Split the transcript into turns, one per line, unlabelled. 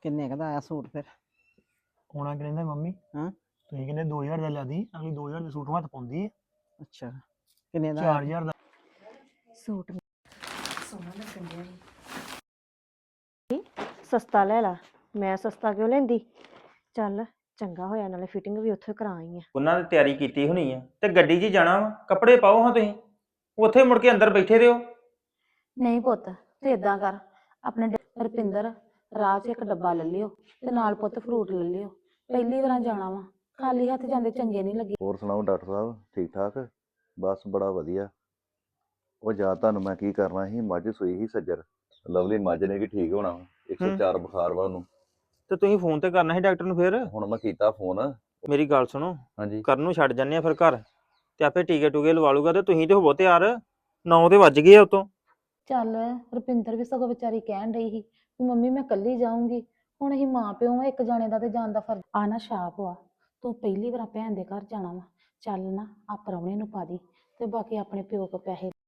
ਕਿੰਨੇ ਕੁ ਦਾ ਆਇਆ ਸੂਟ ਫਿਰ?
ਹੋਣਾ ਕਿੰਨੇ ਦਾ ਮੰਮੀ?
ਹਾਂ
ਤੁਸੀਂ ਕਹਿੰਦੇ 2000 ਦਾ ਲਿਆਦੀ, ਅਗਲੀ 2000 ਦੇ ਸੂਟ ਹੱਥ ਪਾਉਂਦੀ ਹੈ।
ਅੱਛਾ ਕਿੰਨੇ ਦਾ ਆਇਆ?
4000 ਦਾ।
ਸੂਟ ਸੋਹਣਾ ਲੱਗਣ ਡਿਆ ਸੀ। ਸਸਤਾ ਲੈ ਲਾ। ਮੈਂ ਸਸਤਾ ਕਿਉਂ ਲੈਂਦੀ? ਚੱਲ ਚੰਗਾ ਹੋਇਆ, ਨਾਲੇ ਫਿਟਿੰਗ ਵੀ ਉੱਥੇ ਕਰਾ ਆਈ ਆ।
ਉਹਨਾਂ ਨੇ ਤਿਆਰੀ ਕੀਤੀ ਹੋਣੀ ਆ ਤੇ ਗੱਡੀ 'ਚ ਹੀ ਜਾਣਾ ਵਾ। ਕੱਪੜੇ ਪਾਓ ਹਾਂ ਤੁਸੀਂ, ਉੱਥੇ ਮੁੜ ਕੇ ਅੰਦਰ ਬੈਠੇ ਰਹੋ।
ਨਹੀਂ ਪੁੱਤ ਤੇ ਇਦਾਂ ਕਰ, ਆਪਣੇ ਰੁਪਿੰਦਰ ਰਾਹ 'ਚ ਇੱਕ ਡੱਬਾ ਲੈ ਲਿਓ ਤੇ ਨਾਲ ਪੁੱਤ ਫਰੂਟ ਲੈ ਲਿਓ। ਪਹਿਲੀ ਵਾਰ ਜਾਣਾ ਵਾ, ਖਾਲੀ ਹੱਥ ਜਾਂਦੇ ਚੰਗੇ ਨਹੀਂ ਲੱਗੇ।
ਹੋਰ ਸੁਣਾਓ ਡਾਕਟਰ ਸਾਹਿਬ, ਠੀਕ ਠਾਕ? ਬਸ ਬੜਾ ਵਧੀਆ। ਉਹ ਜਾ ਤੁਹਾਨੂੰ ਮੈਂ ਕੀ ਕਰਨਾ ਸੀ, ਮੱਝ ਸੂਈ ਸੀ ਸੱਜਰ, ਲਵਲੀ ਮੱਝ ਨੇ ਕੀ ਠੀਕ ਹੋਣਾ ਵਾ। 104 ਬੁਖਾਰ ਵਾ ਉਹਨੂੰ।
ਤੇ ਤੁਸੀਂ ਫੋਨ ਤੇ ਕਰਨਾ ਸੀ ਡਾਕਟਰ ਨੂੰ। ਫਿਰ
ਹੁਣ ਮੈਂ ਕੀਤਾ ਫੋਨ।
ਮੇਰੀ ਗੱਲ ਸੁਣੋ,
ਹਾਂਜੀ
ਕਰਨ ਨੂੰ ਛੱਡ ਜੰਨੇ ਆ ਫਿਰ ਘਰ, ਤੇ ਆਪੇ ਟੀਕੇ ਟੂਕੇ ਲਵਾ ਲੂਗਾ। ਤੇ ਤੁਸੀਂ ਤੇ ਹੋਵੋ ਤਿਆਰ, 9 ਤੇ ਵੱਜ ਗਏ ਆ ਉਤੋਂ।
ਚੱਲ ਰੁਪਿੰਦਰ ਵੀ ਸਗੋਂ ਵਿਚਾਰੀ ਕਹਿਣ ਡਈ ਸੀ ਵੀ ਮੰਮੀ ਮੈਂ ਇਕੱਲੀ ਜਾਊਂਗੀ। ਹੁਣ ਅਸੀਂ ਮਾਂ ਪਿਓ ਆ, ਇੱਕ ਜਾਣੇ ਦਾ ਤੇ ਜਾਣ ਦਾ ਫਰਜ਼ ਆ ਨਾ। ਛਾਪ ਵਾ, ਤੂੰ ਪਹਿਲੀ ਵਾਰ ਭੈਣ ਦੇ ਘਰ ਜਾਣਾ ਵਾ, ਚੱਲ ਨਾ ਆ ਪ੍ਰਾਹੁਣੇ ਨੂੰ ਪਾ ਦੀ ਤੇ ਬਾਕੀ ਆਪਣੇ ਪਿਓ ਕੋ ਪੈਸੇ